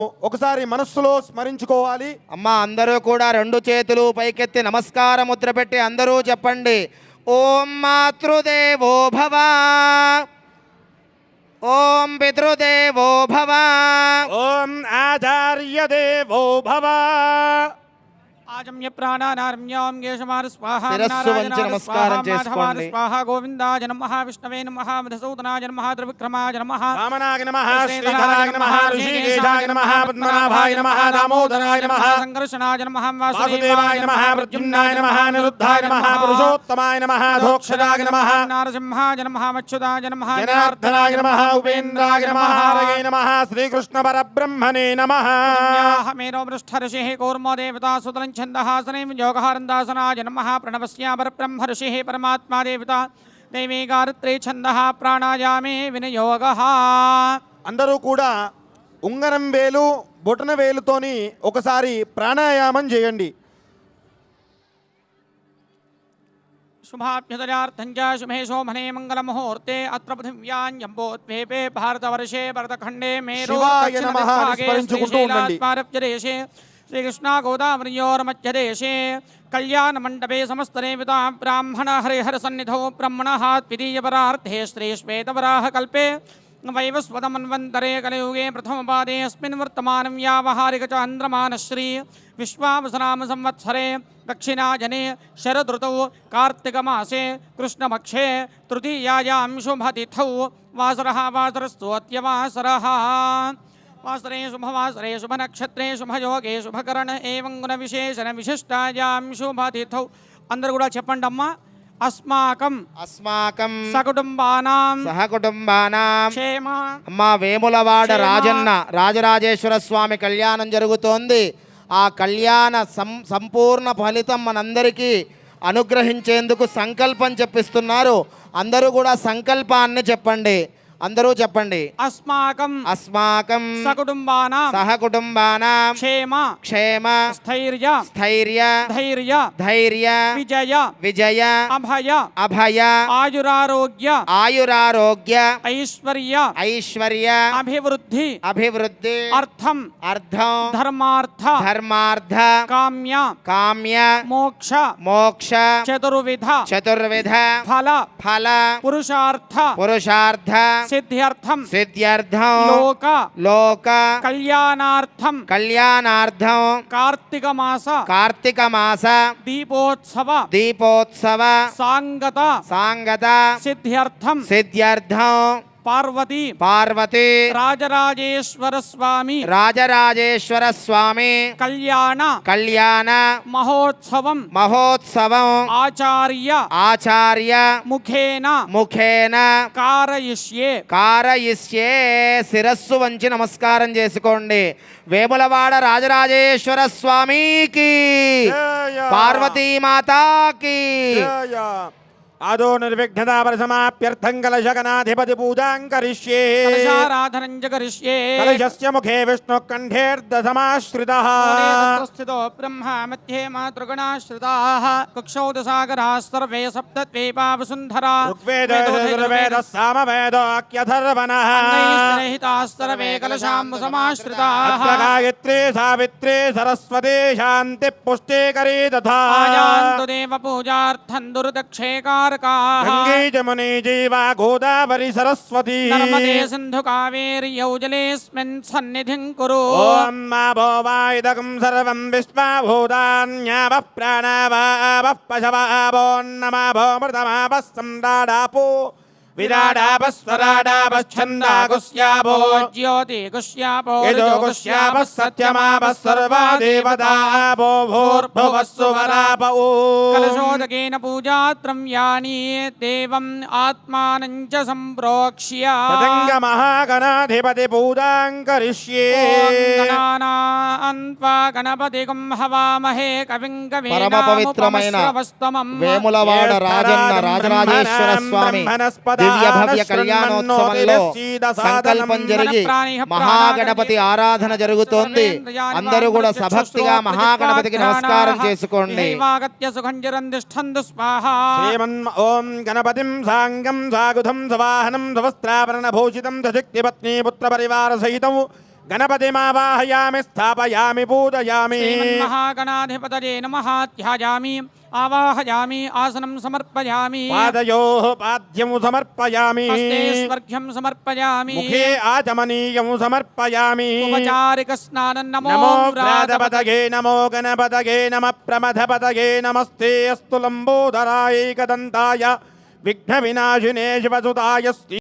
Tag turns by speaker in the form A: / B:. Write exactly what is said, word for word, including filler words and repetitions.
A: ఒకసారి మనస్సులో స్మరించుకోవాలి.
B: అమ్మా అందరూ కూడా రెండు చేతులు పైకెత్తి నమస్కార ముద్ర పెట్టి అందరూ చెప్పండి. ఓం మాతృదేవో భవ, ఓం పితృదేవో భవ,
A: ఓం ఆచార్య దేవో భవ.
C: ఆజమ్య ప్రాణానారమ్యాం గేశమాన స్వాహా
B: శిరస్సు వంచి నమస్కారం చేసుకోండి.
C: స్వాహా గోవిందాయ నమః విష్ణవే నమః మధుసూదనాయ నమః త్రివిక్రమాయ నమః
A: వామనాయ నమః శ్రీధరాయ నమః ఋషికేశాయ నమః పద్మనాభాయ నమః దామోదరాయ నమః
C: సంకర్షణాయ నమః
A: వాసుదేవాయ నమః ప్రద్యుమ్నాయ నమః నిరుద్ధాయ నమః పురుషోత్తమాయ నమః ధోక్షరాయ నమః
C: నారసింహాయ నమః మచ్యుతాయ నమః
A: జనార్దనాయ నమః ఉపేంద్రాయ నమః హరయే నమః శ్రీకృష్ణ పరబ్రహ్మణే నమః.
C: మేరో పృష్ఠర్షిః కూర్మో దేవతా సుతలం ఛందహాసనే యోగహారందాసనాయ నమః ప్రణవస్యాపర బ్రహ్మ ఋషిః పరమాత్మా దేవత దైవీ గాయత్రీ ఛందః ప్రాణాయామే వినియోగః.
A: అందరూ కూడా ఉంగరం వేలు బొటన వేలుతోని ఒకసారి ప్రాణాయామం చేయండి.
C: శుభాభ్యుదయార్థం చ శుభే శోభనే మంగళముహూర్తే అత్ర పృథివ్యాం భారతవర్షే భరతఖండే మేరు
A: శివాయ నమః స్మరించుకుంటూ ఉండండి.
C: శ్రీకృష్ణాగోదావరిదేశే శ్రీకృష్ణ గోదావరియోర్మధ్యదేశే కళ్యాణ మండపే సమస్తదేవతా బ్రాహ్మణ హరిహర సన్నిధౌ బ్రహ్మణః ద్వితీయపరార్థే శ్రీ శ్వేతవరాహ కల్పే వైవస్వతమన్వంతరే కలియుగే ప్రథమపాదే అస్మిన్ వర్తమానం వ్యావహారిక చాంద్రమాన శ్రీ విశ్వావసనామ సంవత్సరే దక్షిణాజనే శరదృతౌ కార్తీకమాసే కృష్ణపక్షే తృతీయాయాం శుభతిథౌ వాసరః వాసరస్తు అత్యవాసరః. వాసరే శుభవాసరే శుభనక్షత్రే శుభయోగే శుభకరణ ఏవం గుణ విశేషణ విశిష్టాయాం శుభతిథౌ. అందరూ కూడా చెప్పండి అమ్మా. అస్మాకం
B: అస్మాకం
C: సకుటుంబానాం
B: సహకుటుంబానాం
C: క్షేమ.
B: అమ్మా వేములవాడ
C: క్షేమ.
B: రాజన్న రాజరాజేశ్వర స్వామి కళ్యాణం జరుగుతోంది. ఆ కళ్యాణ సం సంపూర్ణ ఫలితం మనందరికీ అనుగ్రహించేందుకు సంకల్పం చెప్పిస్తున్నారు. అందరూ కూడా సంకల్పాన్ని చెప్పండి. అందరూ చెప్పండి.
C: అస్మాకం
B: అస్మాకం
C: సకుటుంబానాం
B: సహకుటుంబానాం
C: క్షేమ
B: క్షేమ
C: స్థైర్య
B: స్థైర్య
C: ధైర్య
B: ధైర్య
C: విజయ
B: విజయ
C: అభయ
B: అభయ
C: ఆయురారోగ్య
B: ఆయురారోగ్య
C: ఐశ్వర్య
B: ఐశ్వర్య
C: అభివృద్ధి
B: అభివృద్ధి
C: అర్థం
B: అర్థం
C: ధర్మార్థ
B: ధర్మార్థ
C: కామ్య
B: కామ్య
C: మోక్ష
B: మోక్ష
C: చతుర్విధ
B: చతుర్విధ
C: ఫల
B: ఫల
C: పురుషార్థ
B: పురుషార్థ
C: సిద్ధ్యర్థం
B: సిద్ధ్యర్థం
C: లోక
B: లోక
C: కళ్యాణార్థం
B: కళ్యాణార్థం
C: కార్తీక మాస
B: కార్తీక మాస
C: దీపోత్సవ
B: దీపోత్సవ
C: సాంగత
B: సాంగత
C: సిద్ధ్యర్థం
B: సిద్ధ్యర్థం
C: పార్వతి
B: పార్వతి
C: రాజరాజేశ్వర స్వామి
B: రాజరాజేశ్వర స్వామి
C: కళ్యాణ
B: కళ్యాణ
C: మహోత్సవం
B: మహోత్సవం
C: ఆచార్య
B: ఆచార్య
C: ముఖేన
B: ముఖేన
C: కారయిష్యే.
B: కారయిష్యే. శిరస్సు వంచి నమస్కారం చేసుకోండి. వేములవాడ రాజరాజేశ్వర స్వామికి పార్వతీమాతాకి
A: ఆదో నిర్విఘ్నతా పరిసమాప్యర్థం కలశగణాధిపతి పూజాం కరిష్యే.
C: కలశారాధనం చ కరిష్యే.
A: కలశస్య ముఖే విష్ణు కంఠేర్దసమాశ్రితః
C: స్థితో బ్రహ్మ మధ్యే మాతృగణాశ్రితాః కుక్షౌదసాగరాः సర్వే సప్తద్వీపా వసుంధరా
A: ఋగ్వేదోర్వేదः సామవేదోऽఖ్యథర్వణः
C: అన్నైః సర్వే కలశాంబు సమాశ్రితాః
A: గాయత్రీ సావిత్రీ సరస్వతీ శాంతి పుష్టికరీ తథా
C: ఆయాంతు దేవ పూజార్థం దుర్దక్షేకారకాః
A: గంగే జమునే జీవా గోదావరి సరస్వతీ
C: నర్మదే సింధు కావేరి యౌజలేస్మిన్ సన్నిధిం కురు.
A: ఓం మా భోవాయుధకం సర్వం విశ్వభూతాన్యావః ప్రాణావావః పశవావోన్నమా భోమృతమాపः సంరాడాపో విరాడాపస్వరాడాపశ్చందాగుస్యాపో
C: జ్యోతి గుష్యాపో
A: యజోగుష్యాపः సత్యమాపः సర్వా దేవతాపో భూర్భువస్సు వరాపో.
C: కలశోదకేన పూజాద్రవ్యాణి దేవం ఆత్మానం చ సంప్రోక్ష్య
A: తదంగ మహాగణాధిపతి పూజాం కరిష్యే.
C: గణానాన్వా గణపతిగం హవామహే కవిం
B: పరమ పవిత్రమైన వేములవాడ రాజన్న రాజరాజేశ్వర స్వామి దివ్య భవ్య కళ్యాణోత్సవంలో సంకల్పం జరిగి మహాగణపతి ఆరాధన జరుగుతోంది. అందరూ కూడా సభక్తిగా మహాగణపతికి నమస్కారం చేసుకోండి.
A: శ్రీమన్ ఓం గణపతిం సాంగం సాగుధం సవాహనం సవస్త్రాభరణ భూషితం సశక్తి పత్ని పుత్ర పరివార సహితం గణపతిమావాహయామి స్థాపయామి పూజయామి
C: శ్రీమన్మహాగణాధిపతయే నమః ధ్యాయామి ఆవాహయామి ఆసనం సమర్పయామి
A: పాదయోః పాద్యం సమర్పయామి
C: హస్తే స్వర్ఘ్యం సమర్పయామి
A: ముఖే ఆచమనీయం సమర్పయామి
C: ఉపచారిక స్నానం నమో
A: నమో
C: వ్రాతపతయే
A: వ్రాతపతగే నమో గణపతగే నమ ప్రమథపతగే నమస్తే అస్తు లంబోదరాయ ఏకదంతాయ విఘ్న వినాశినే శివసుతాయ